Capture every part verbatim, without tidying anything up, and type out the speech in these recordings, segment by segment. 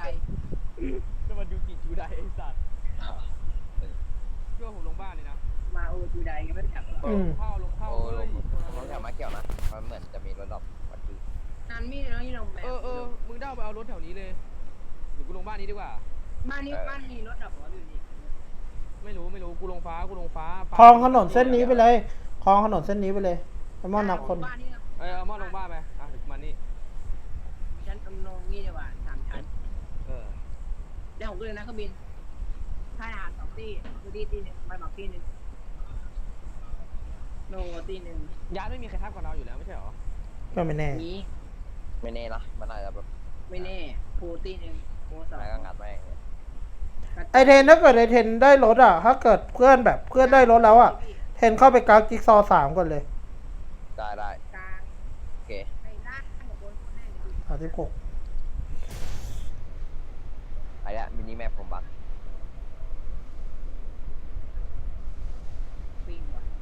จะมาดูกิจูไดไอ้สัตว์เชื่อผมลงบ้านเลยนะมาโอจูไดยังไม่แข่งหรอลงเข้าลงเข้าเลยลงแถวมาเกี่ยวนะมันเหมือนจะมีรถดอกวันที่นันมีเลยนะยี่ลงแบบเออเออมึงได้ไปเอารถแถวนี้เลยหรือกูลงบ้านนี้ดีกว่าบ้านนี้บ้านนี้รถดับหัวอยู่นี่ไม่รู้ไม่รู้กูลงฟ้ากูลงฟ้าคลองถนนเส้นนี้ไปเลยคลองถนนเส้นนี้ไปเลยไอ้มอนนับคนเออเอามอนลงบ้านไปอ่ะถึงมันนี่ชั้นตำนงนี่ดีกว่าสามชั้นเออเดี๋ยวผมก็เลยนะเครื่องบินค่ายอาหารสองตีคือดีตีหนึ่งไม่บอกตีหนึ่งโนตีหนึ่งยาไม่มีใครทับกับเราอยู่แล้วไม่ใช่หรอก็ไม่แน่นี้ไม่แน่นะมันอาจจะแบบไม่แน่โพตีหนึ่งโพสองก็งัดไปไอเทนถ้าเกิดไอเทนได้รถอ่ะถ้าเกิดเพื่อนแบบเพื่อนได้รถแล้วอ่ะเทนเข้าไปกราฟจิ๊กซอสามก่อนเลยได้ได้กลางโอเคไอ้ล่างกับบนคนแน่เลยสามสิบหกไอ้เนี่ยมินิแมปผมบักฟิงว่ะ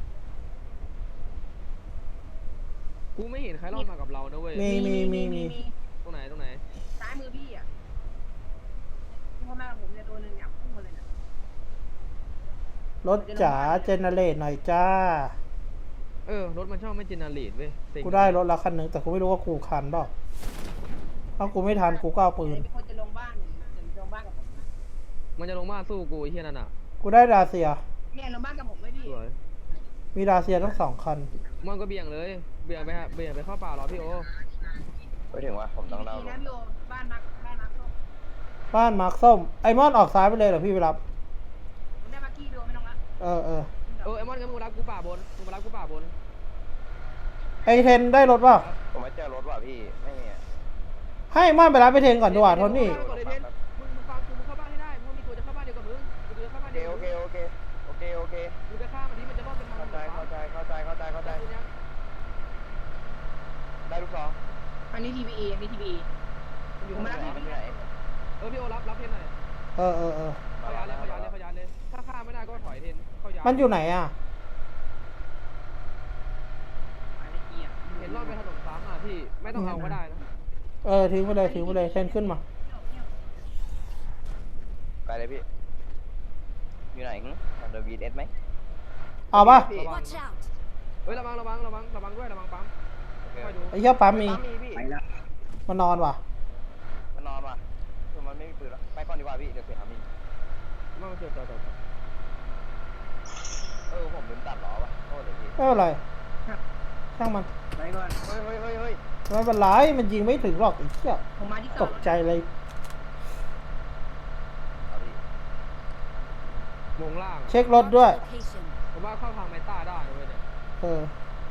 กูไม่เห็นใครรอดมากับเรานะเว้ยมีมีมีมีตรงไหนตรงไหนซ้ายมือพี่อ่ะพ่อแม่ผมเนี่ยตัวหนึ่งเนี่ยพุ่งมาเลยนะรถจ๋าเจเนเรตหน่อยจ้าเออรถมันชอบไม่เจเนเรตเว้ยกูได้รถละคันหนึ่งแต่กูไม่รู้ว่ากูคันเปล่าถ้ากูไม่ทันกูก็เอาปืนเป็นคนจะลงบ้านจะลงบ้านกับผมมันจะลงบ้านสู้กูไอ้เหี้ยนั่นอ่ะกูได้ดาเซียเนี่ยลงบ้านกับผมไหมพี่มีดาเซียทั้งสองคันมันก็เบี่ยงเลยเบี่ยงไปฮะเบี่ยงไปเข้าป่าหรอพี่โอไปถึงว่าผมต้องเล่านะพี่โอบ้านนักบ้านนักส้มบ้านมาร์คส้มไอมอนออกซ้ายไปเลยเหรอพี่ไปรับผมได้มากี้พี่โอไม่ต้องละเออเออเออไอมอนงั้นมึงรับกูป่าบนมึงมารับกูป่าบนไอเทนได้รถป่ะผมไม่เจอรถว่ะพี่ไม่มีให้มอนไปรับไปเทนก่อนดีกว่าทนนี่มึงมึงฟังกูมึงเข้าบ้านให้ได้เพราะมีตัวจะเข้าบ้านเดียวกับมึงกูจะเข้าบ้านเดียวโอเคโอเคโอเคโอเคมึงจะฆ่ามันที่มันจะรอดเป็นทางเข้าใจเข้าใจเข้าใจเข้าใจเข้าใจได้ลูกสองอันนี้ ที พี อี อันนี้ ที พี อี อยู่มาแล้วพี่เออพี่โอรับรับเทนหน่อยเออเออเออขยานเลยขยานเลยขยานเลยถ้าฆ่าไม่ได้ก็ถอยเทนเข้ายานมันอยู่ไหนอ่ะเห็นรอดไปถนนซ้ำอ่ะพี่ไม่ต้องเอาก็ได้นะเออทิ้งไปเลยทิ้งไปเลยเทนขึ้นมาไปเลยพี่อยู่ไหนเดอะวีเอสไหมเอาป่ะเฮ้ยระวังระวังระวังระวังด้วยระวังปั๊มไอ้เหี้ยปั๊มมีมันนอนว่ะมันนอนว่ะคือมันไม่มีปืนแล้วไปก่อนดีกว่าพี่เดี๋ยวเสียทามีมาเจอต่อต่อเออผมลืมตัดล้อว่ะโทษเลยพี่ไม่เป็นไรช่างมันไปก่อนเฮ้ยเฮ้ยเฮ้ยเฮ้ยไม่เป็นไรมันยิงไม่ถึงหรอกไอ้เหี้ยตกใจเลยลงล่างเช็ครถด้วยผมว่าเข้าทางเมตาได้ด้วยเนี่ยเออ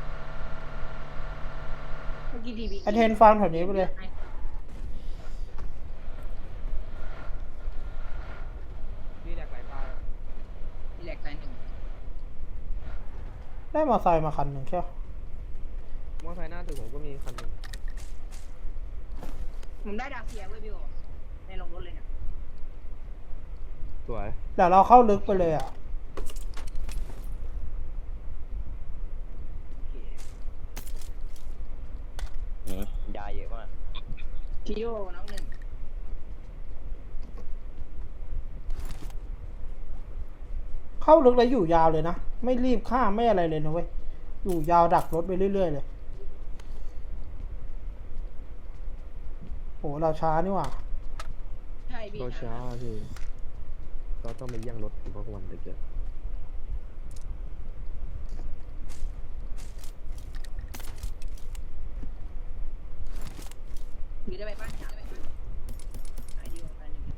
เมื่อกี้ทีวีไอเทนฟังแถวนี้ไปเลยมีแหลกหลายตามีแหลกตายหนึ่งได้มอไซค์มาคันหนึ่งใช่ไหมมอไซค์หน้าตึกผมก็มีคันนึงผมได้ดาวเซียเว้ยพี่โอในลงรถเลยเนี่ยสวยเดี๋ยวเราเข้าลึกไปเลยอ่ะยาเยอะมากชิโยน้องหนึ่งเข้าลึกแล้วอยู่ยาวเลยนะไม่รีบข้ามไม่อะไรเลยนะเว้ยอยู่ยาวดักรถไปเรื่อยๆเลยโหเราช้านี่หว่าใช่พี่เราช้าพี่เราต้องไปย่างรถเพราะวันเด็กเยอะมีได้ไปบ้านจ๋าไปบ้านไอเดียไปหนึ่ง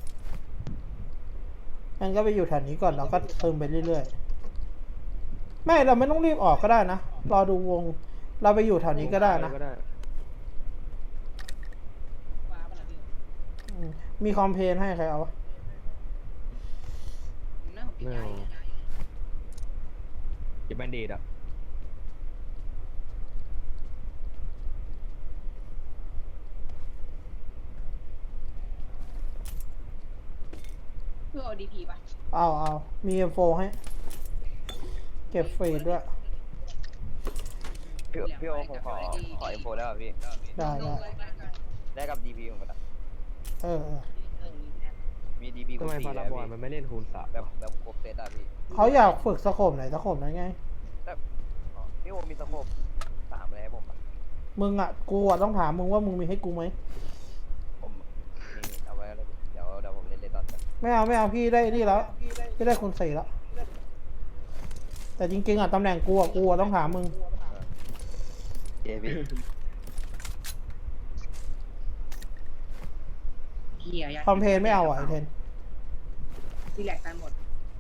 งั้นก็ไปอยู่แถวนี้ก่อนแล้วก็ซึมไปเรื่อยๆไม่เราไม่ต้องรีบออกก็ได้นะรอดูวงเราไปอยู่แถวนี้ก็ได้นะมีคอมเพลนให้ใครเอาไม่เอาเก็บแบนเดดอ่ะเพื่อเอาดีพีป่ะเอาเอามี เอ็ม โฟร์ ให้เก็บฟรีด้วยพี่พี่โอผมขอขอ เอ็ม โฟร์ ได้ป่ะพี่ได้ได้ได้กับ ดี พี ผมก็ได้เอออมีแอปมีดีบีทำไมสี่พาราแล้วบอยพี่มันไม่เล่นคูณสามแบบแบบครบเซตอะพี่เขาอยากฝึกสโคปไหนสโคปนั้นไงอ๋อพี่โอมีสโคปสามเลยให้ผมอะมึงอ่ะกูอ่ะต้องถามมึงว่ามึงมีให้กูไหมผมนี่เอาไว้แล้วเดี๋ยวเดี๋ยวผมเล่นเลนดอนกันไม่เอาไม่เอาพี่ได้นี่แล้วพี่ได้คนสี่แล้วแต่จริงๆอ่ะตำแหน่งกูอ่ะกูอ่ะต้องถามมึงเย้พี่เฮียคอมเพลนไม่เอาอ่ะไอเทนรีแลกซ์กันหมด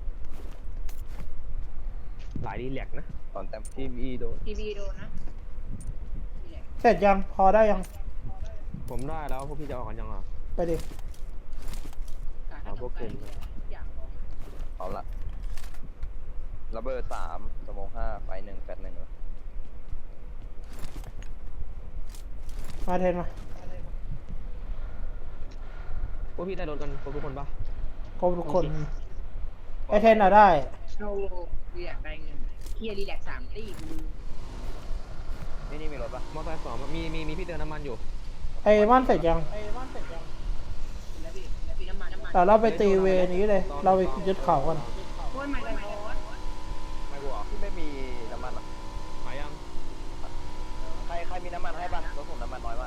หลายดีแลกนะตอนแต้มทีมอีโดนทีวีโดนนะรีแลกซ์เสร็จยังพอได้ยังผมได้แล้วพวกพี่จะออกกันยังอ่ะไปดิการถ้าตกใจอย่างลงเอาละระเบิดสามสมองห้าไฟหนึ่งแฟดหนึ่งมาเทนมาพวกพี่ได้รถกันครบทุกคนปะครบทุกคนไอเทนอ่ะได้โนรีแลกซ์ได้เงินเฮียรีแลกซ์สามตีกูลืมนี่นี่มีรถปะมอเตอร์ไซค์สองมีมีมีพี่เติมน้ำมันอยู่ไอ้มันเสร็จยังแล้วพี่แล้วพี่น้ำมันน้ำมันแต่เราไปตีเวนี้เลย เราไปยึดเขากันโอ้ยไม่เลยโอ้ยไม่กลัวที่ไม่มีน้ำมันอะหายยังใครใครมีน้ำมันให้บ้างรถผมน้ำมันน้อยมาก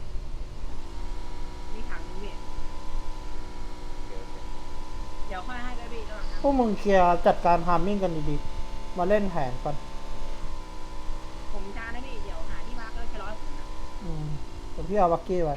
มีถังนึงพี่โอเคโอเคเดี๋ยวค่อยให้ได้พี่ระหว่างนั้นพวกมึงเคลียร์จัดการฮาร์มมิ่งกันดีๆมาเล่นแผนกันผมจานนะพี่เดี๋ยวหาที่พักก็แค่ร้อยผมนะอืมเดี๋ยวพี่เอาบักกี้ไว้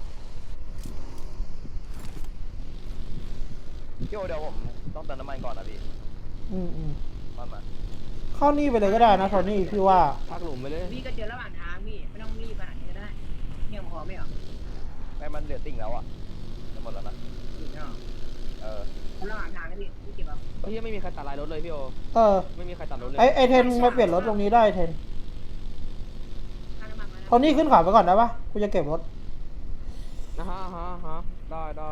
พี่โอเดี๋ยวผมต้องเติมน้ำมันก่อนนะพี่อืมอืมมามาเข้านี่ไปเลยก็ได้นะโทนี่พี่ว่าพักหลุมไปเลยพี่ก็เจอระหว่างทางพี่ไม่ต้องรีบขนาดนี้ก็ได้เที่ยงพอไม่เหรอไม่มันเหลือติ่งแล้วอะจะหมดแล้วนะถึงไม่เหรอเออระหว่างทางนะพี่พี่เก็บเอาเฮ้ยไม่มีใครตัดลายรถเลยพี่โอเออไม่มีใครตัดรถเลยไอไอเทนมาเปลี่ยนรถตรงนี้ได้เทนค่าน้ำมันมาโทนี่ขึ้นเขาไปก่อนได้ปะกูจะเก็บรถนะฮะฮะฮะได้ได้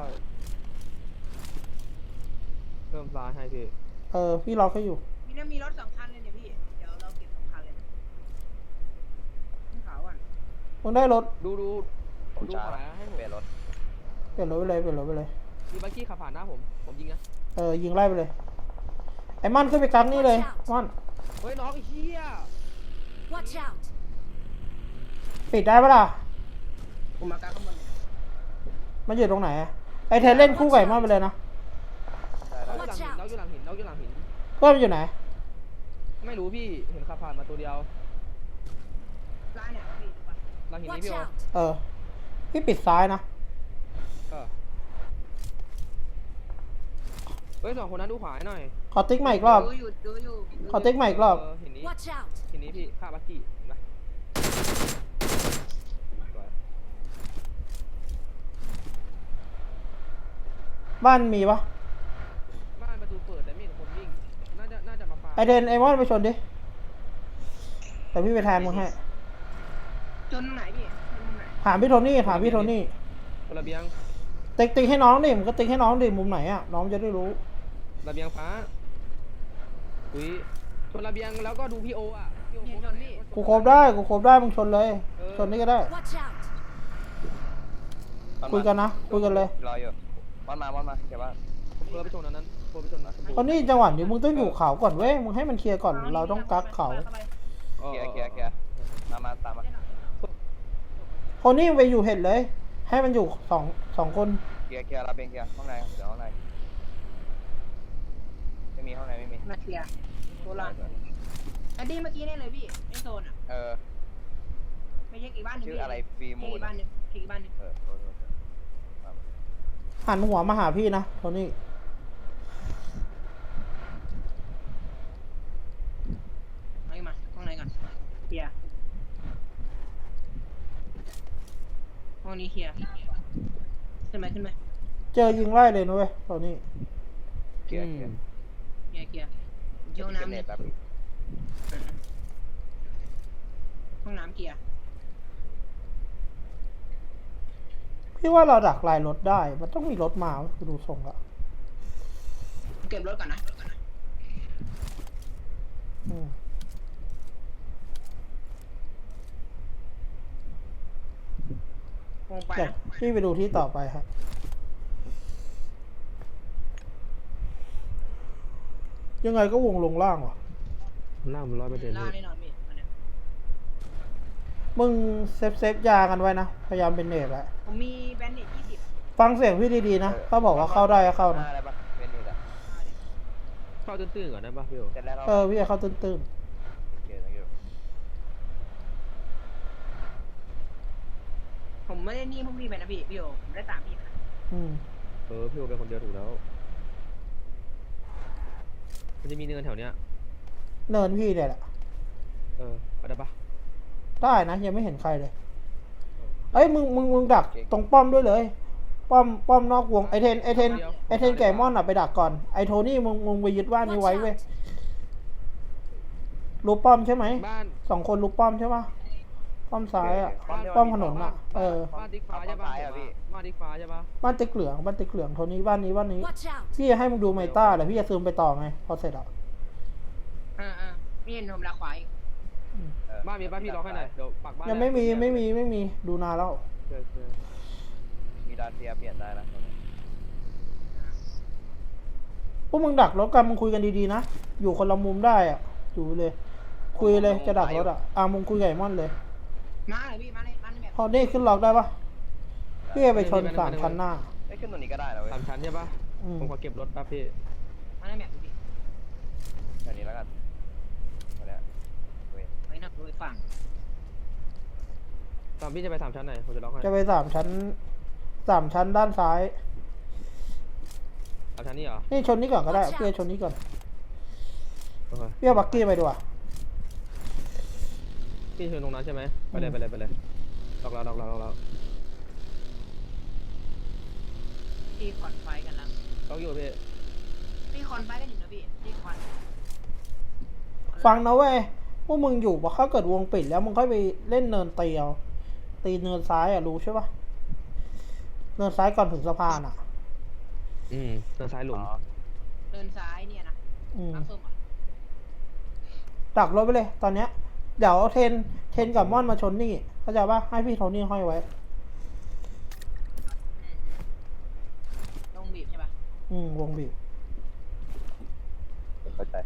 เพิ่มซ้ายให้พี่เออพี่ล็อกให้อยู่พี่น่ามีรถสองคันเลยเนี่ยพี่เดี๋ยวเราเก็บสองคันเลยนะขึ้นเขาก่อนมึงได้รถดูดูผมดูช้าขวาให้ผมเปลี่ยนรถเปลี่ยนรถไปเลยเปลี่ยนรถไปเลยมีบักกี้ขับผ่านหน้าผมผมยิงนะเออยิงไล่ไปเลย ไอ้มันขึ้นไปกักนี่เลยมันเฮ้ยน้องไอ้เหี้ย Watch out! ปิดได้ปะล่ะผมมากางข้างบนเลยมันอยู่ตรงไหนอะไอเทนเล่นคู่ไก่มันไปเลยนะได้ได้น้องอยู่หลังหินน้องอยู่หลังหินน้องอยู่หลังหินเพื่อนมันอยู่ไหนไม่รู้พี่เห็นขับผ่านมาตัวเดียวร้านเนี่ยพี่ดูป่ะหลังหินนี้ Watch พี่โอ out! เออพี่ปิดซ้ายนะเออเฮ้ยสองคนนั้นดูขวาให้หน่อยขอติ๊กใหม่อีกรอบดูอยู่ดูอยู่ดูอยู่ขอติ๊กใหม่อีกรอบเหินนี้ Watch out! หินนี้พี่ฆ่าบักกี้เห็นปะสวยบ้านมีปะบ้านประตูเปิดแต่ไม่เห็นคนวิ่งน่าจะน่าจะมาฟาร์มไอเทนไอมอนไปชนดิแต่พี่ไปแทนมึงให้จนไหนพี่จนไหนถามพี่โทนี่ถามพี่โทนี่ระเบียงติ๊กติ๊กให้น้องดิมึงก็ติ๊กให้น้องดิมุมไหนอะน้องจะได้รู้ระเบียงฟ้าอุ้ยชนระเบียงแล้วก็ดูพี่โออ่ะพี่โอโคชนนี่กูโคบได้กูโคบได้มึงชนเลยชนนี่ก็ได้ Watch out! มัมาคุยกันนะคุยกันเลยรออยู่วันมาวันมาเดี๋ยวว่าเพื่อไปชนอันนั้นเพื่อไปชนอันนั้นตอนนี้จังหวะนี้มึงต้องอยู่เขาก่อนเว้ยมึงให้มันเคลียร์ก่อนเราต้องกักเขาออเคลียร์เคลียร์เคลียร์ตามมาตามมาโทนี่ไปอยู่เห็ดเลย ให้มันอยู่สองสองคนเคลียร์เคลียร์รับเองเคลียร์ห้องในเดี๋ยวห้องในไม่มีห้องในไม่มีมาเคลียร์ตัวร้านอันนี้เมื่อกี้เนี่ยเลยพี่ไอโซนอ่ะเออไม่ใช่อีกบ้านหนึงชื่ออะไรฟรีอีมูกนบ้านหนึงอีกบ้านหนึงเออโทษโทษโทษหันหัวมาหาพี่นะโทนี่เอามาห้องไหนก่อนเคลียร์ห้องนี้เคลียร์ขึ้นไหมขึ้นไหมเจอยิงไล่เลยนะเว้ยโทนี่เคลียร์เคลียร์เคลียร์เคลียร์อยู่ห้องเน็น้ำตเนี่ยแบบห้องน้ำเคลียร์พี่ว่าเราดักลายรถได้ มันต้องมีรถมาคือดูทรงละเก็บรถก่อนนะอืมคงไปเดี๋ยวนะพี่ไปดูที่ต่อไปครับยังไงก็วงลงล่างว่ะล่างมันร้อยเปอร์เซ็นต์ล่าแน่นอนพี่อันเนี้ยมึงเซฟเซฟยากันไว้นะพยายามเป็นเนตแหละผมมีแบนเนตยี่สิบฟังเสียงพี่ดีๆนะถ้าบอกว่าเข้าได้ก็เข้าหนะน้าได้ปะเป็นนี่แหละเข้าตื้นๆก่อนได้ป่ะพี่โอเสร็จแล้วเราเออพี่จะเข้าตื้นเกี่ยวกับผมไม่ได้นี่พวกพี่ไปนะพี่พี่โอผมได้ตามพี่นะๆอืมเออพี่โอเป็นคนเดียวถูกแล้วมันจะมีเนินแถวเนี้ยเนินพี่เนี่ยแหละเออเอาได้ปะได้นะยังไม่เห็นใครเลยเอ้ยมึงมึงมึงดักตรงป้อมด้วยเลย ป้อมป้อมนอกวงไอเทนไอเทนไอเทนไก่มอนอ่ะไปดักก่อนไอโทนี่มึงมึงไปยึดว่านนี้ไว้เว้ยรูปป้อมใช่ไหมบ้านสองคนรูปป้อมใช่ปะป้อมซ้ายอ่ะ ป้อมถนนอ่ะเออบ้านติ๊กฟ้าใช่ปะบ้านติ๊กฟ้าใช่ปะบ้านติ๊กเหลืองบ้านติ๊กเหลืองโทนี่บ้านนี้บ้านนี้ Watch out! พี่จะให้มึงดูไมต้าแต่พี่จะซูมไปต่อไงพอเสร็จอ่ะอ่าอ่าพี่เห็นผมลาขวาอีกเออบ้านมีบ้านพี่ล็อกให้หน่อยเดี๋ยวปักบ้านยังไม่มีไม่มีไม่มีดูนานแล้วเจอเจอมีดานเซียเปลี่ยนได้นะพวกมึงดักรถกันมึงคุยกันดีๆนะอยู่คนละมุมได้อ่ะอยู่เลย คุยเลยจะดักรถอ่ะอ่ะมึงคุยกับไอ้มอนเลยมาเลยพี่มาเลยมาเลยแบบพอนี่ขึ้นล็อกได้ปะพี่จะไปชนสามคันหน้าไอ้ยขึ้นตรงนี้ก็ได้นะเว้ยสามชั้นใช่ปะอืมผมขอเก็บรถแป๊บพี่มาเลยแบบพี่อันนี้แล้วกันอันเนี้ยเว้ยไว้นับดูอีกฝั่งตอนพี่จะไปสามชั้นไหนผมจะล็อกให้จะไปสามชั้นสามชั้นด้านซ้ายสามชั้นนี่เหรอนี่ชนนี้ก่อนก็ได้พี่จะชนนี้ก่อนโอเคพี่เอาบักกี้ไปดีกว่าพี่เชิญตรงนั้นใช่ไหมไปเลยไปเลยไปเลยล็อกแล้วล็อกแล้วล็อกแล้วพี่คอนไฟกันแล้วล็อกอยู่พี่พี่คอนไฟกันอยู่นะพี่พี่คอนฟังนะเว้ยพวกมึงอยู่พอเขาเกิดวงปิดแล้วมึงค่อยไปเล่นเนินเตียวตีเนินซ้ายอ่ะรู้ใช่ปะเนินซ้ายก่อนถึงสะพานอ่ะอืมทางซ้ายหลุอ๋มอเดินซ้ายเนี่ยนะอืมน้ำส้มอ่ะดักรถไปเลย ตอนเนี้ยเดี๋ยวเทนเทนกับม่อนมาชนนี่เข้าใจปะให้พี่โทนี่ห้อยไว้ลงบีบใช่ปะอืมวงบีบเข้าใจ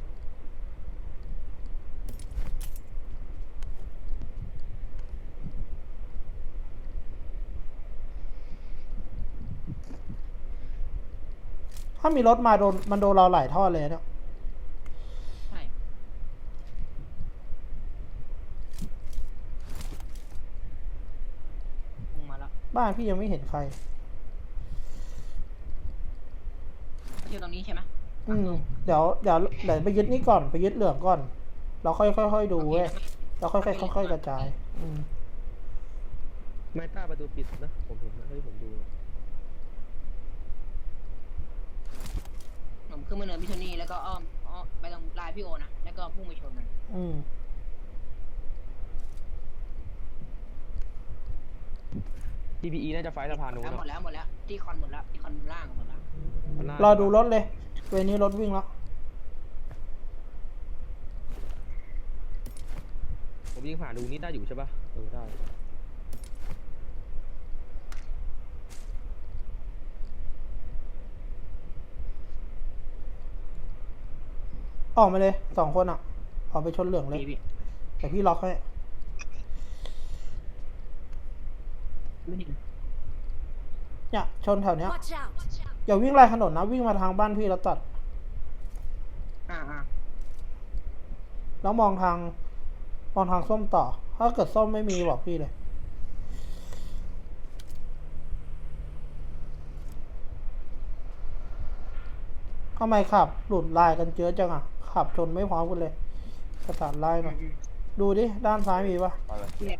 ถ้ามีรถมาโดนมันโดนเราหลายท่อเลยเนี่ยใช่ลงมาแล้วบ้านพี่ยังไม่เห็นใครเที่ยวตรงนี้ใช่ไหมอืมเดี๋ยวเดี๋ยวเดี๋ยวไปยึดนี่ก่อนไปยึดเหลืองก่อน เราค่อยค่อยค่อยดูเว้ยเราค่อยค่อยค่อยๆกระจาย อืมไม่ต้าประตูปิดนะผมเห็นนะที่ผมดูผมขึ้นมาเนินพิชนี่แล้วก็อ้อมอ้อมไปตรงลายพี่โอนะแล้วก็พุ่งไปชนมันอืมที พี อี น่าจะไฟสะพานนู้นแล้วหมดอะแล้วหมดแล้วที่คอนหมดแล้วที่คอนล่างหมดแล้วรอดูรถเลยเวรนี้รถวิ่งแล้วผมยิงผ่านดูนี่ได้อยู่ใช่ปะเออได้ออกมาเลยสองคนอ่ะออกไปชนเหลืองเลยพี่พี่แต่พี่ล็อกให้ไม่ถึงเนี่ยชนแถวเนี้ย Watch out! อย่าวิ่งไล่ถนนนะวิ่งมาทางบ้านพี่แล้วตัดอ่าอ่าแล้วมองทางมองทางส้มต่อ ถ้าเกิดส้มไม่มีบอกพี่เลยทำไมขับ หลุดลายกันเยอะจังอ่ะ ขับชนไม่พร้อมกันเลยประสานลายหน่อยดูดิ ด้านซ้ายมีปะเอาเลยเนี่ย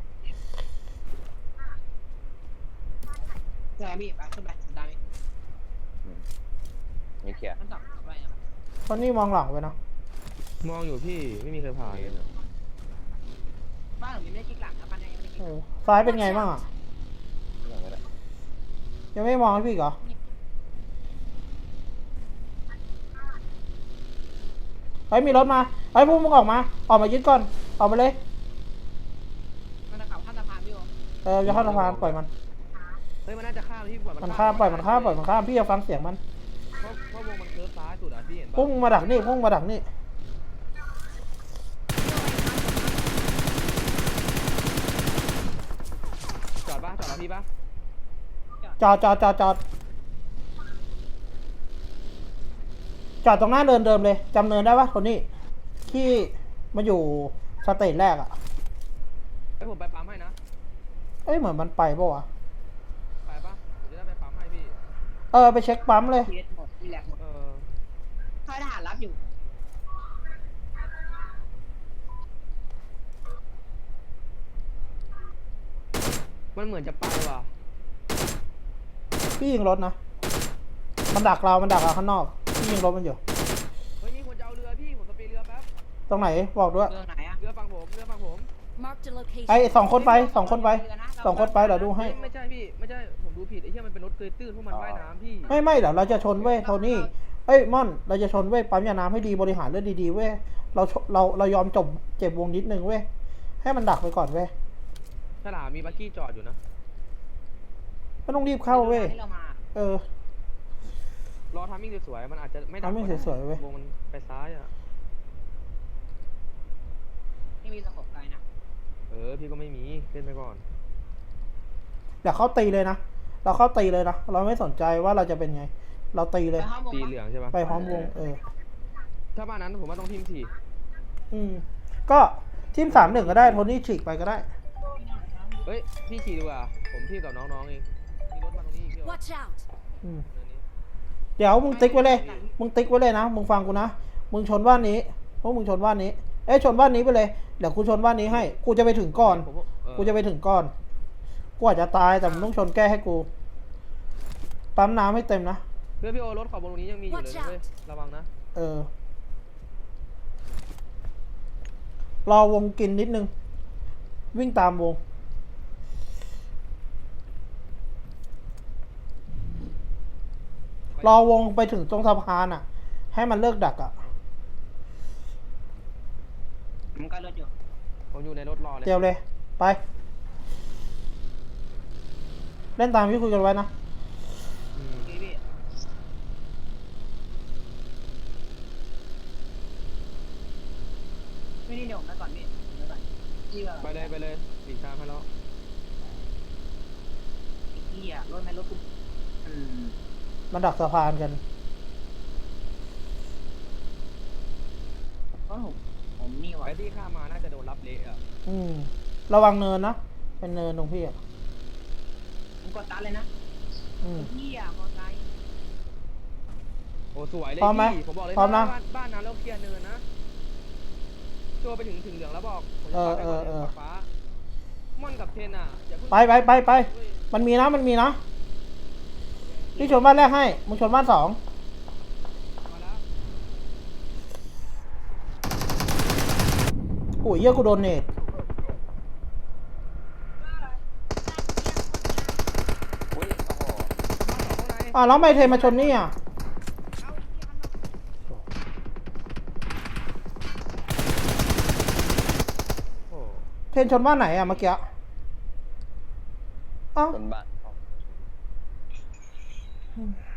ใช่พี่ไปขึ้นไปได้ไหมอืมนี่เคลียร์ขั้นต่อไปนะครับตอนนี้มองหลังไว้นะมองอยู่พี่ไม่มีใครผ่านเลยอะบ้านผมยังไม่ได้กิ๊กหลังนะบ้านยังไม่ได้กิ๊เอก อซ้ายเป็นไงบ้างอ่ะอย่างนี้แหละยังไม่มองให้พี่อีกเหรอเฮ้ยมีรถมาเฮ้ยพวกมึงออกมา ออกมายึดก่อน ออกมาเลยมันจะขับข้ามสะพานพี่โอเออจะเข้าสะพานปล่อยมันเฮ้ยมันน่าจะข้ามพี่ปล่อยมันข้ามปล่อยมันข้ามปล่อยมันข้ามพี่จะฟังเสียงมันเพราะเพราะวงมันเคิร์ฟซ้ายสุดอ่ะพี่เห็นพุ่ปะงมาดักนี่พุ่งมาดักนี่จอดปะจอดแล้วพี่ปะจอดจอดจอดจอดจอดตรงหน้าเดินเดิมเลยจำเนินได้ปะคนนี้ที่มาอยู่สเตจแรกอะไอ้ผมไปปั๊มให้นะเอ้ยเหมือนมันไปปะวะไปปะผมจะได้ไปปั๊มให้พี่เออไปเช็คปั๊มเลยทีเอสหมดทีแลกหมดเออค่ายทหารรับอยู่มันเหมือนจะไปว่ะพี่ยิงรถนะมันดักเรามันดักเราข้างนอกพี่ยิงรถมันอยู่เฮ้ยมีคนจะเอาเรือพี่ผมสเปรย์เรือแป๊บตรงไหนบอกด้วยเรื่องไหนอะเรือฝั่งผมเรือฝั่งผม Marked a location. ไอ้สองคนไปสองคนไปสองคนไปเดี๋ยวดูให้ไม่ใช่พี่ไม่ใช่ผมดูผิดไอ้เหี้ยมันเป็นรถเกยตื้นพวกมันว่ายน้ำพี่ไม่ไม่เดี๋ยวเราจะชนเว้ยโทนี่เอ้ยม่อนเราจะชนเว้ยปั๊มยาน้ำให้ดีบริหารเรื่องดีๆเว้ยเราชเราเรายอมจบเจ็บวงนิดนึงเว้ยให้มันดักไปก่อนเว้ยฉลามมีบักกี้จอดอยู่นะไม่ต้องรีบเข้าเว้ยที่เรามาเออรอทามมิ่งสวยๆมันอาจจะไม่ดัก timing สวยๆเว้ยวงมันไปซ้ายอ่ะไม่มีสกปไกลนะเออพี่ก็ไม่มีเล่นไปก่อนเดี๋ยวเข้าตีเลยนะเราเข้าตีเลยนะเราไม่สนใจว่าเราจะเป็นไง เราตีเลยไปห้องวงตีปะเหลืองใช่ปะไปพร้อมวงเออถ้าบ้านนั้นผมว่าต้องทีมสี่อืมก็ทีมสามหนึ่งก็ได้โทนี่ฉีกไปก็ได้เฮ้ยพี่ขี่ดีกว่าผมทีมกับน้องๆเองมีรถมาตรงนี้อีกพี่โอ Watch out! อืมเนินนี้เดี๋ยวมึงติ๊กไว้เลย มึงติ๊กไว้เลยนะ มึงฟังกูนะ มึงชนบ้านนี้พวกมึงชนบ้านนี้ เอ้ยชนบ้านนี้ไปเลย เดี๋ยวกูชนบ้านนี้ให้ กูจะไปถึงก่อนผมเออกูจะไปถึงก่อน กูอาจจะตายแต่มึงต้องชนแก้ให้กู ปั๊มน้ำให้เต็มนะเพื่อนพี่โอรถขอบบนตรงนี้ยังมีอยู่เลย Watch นะเว้ย out ระวังนะเออ รอวงกินนิดนึง วิ่งตามวง รอวงไปถึงตรงสะพานอ่ะ ให้มันเลิกดักอ่ะผมก็รถอยู่ผมอยู่ในรถรอเลยเจียวเลย ไป เล่นตามที่คุยกันไว้นะอืมพี่พี่ไม่นี่เดี๋ยวผมไปก่อนพี่ผมไปก่อนพี่แบบไปเลยไปเลยหลีกทางให้แล้วพี่อะรถไหมรถกูอืมมันดักสะพานกันเพราะผมผมนี่ว่ะไอ้ที่ข้ามมาน่าจะโดนรับเละอ่ะอืม ระวังเนินนะ เป็นเนินตรงพี่อ่ะผมกดตัดเลยนะอืมพี่อะมอไซค์โอ้สวยเลยพร้อมไหมพี่ผมบอกเลยพร้อมนะบ้านบ้านนั้นเราเคลียร์เนินนะตัวไปถึงถึงเหลืองแล้วบอกผมจะเออไปก่อนเออเออฟ้าม่อนกับเทนอ่ะอย่าเพิ่งไปไปไปไปเว้ยมันมีนะ มันมีนะ พี่ชนบ้านแรกให้ มึงชนบ้านสองมาแล้วโอ้ยเหี้ยกูโดนเนตอุ้ยโอ้โหบ้านสองข้างในอ่ะแล้วทำไมเทมาชนนี่อ่ะโอ้เทนชนบ้านไหนอ่ะเมื่อกี้เอ้าบนบ้านอืม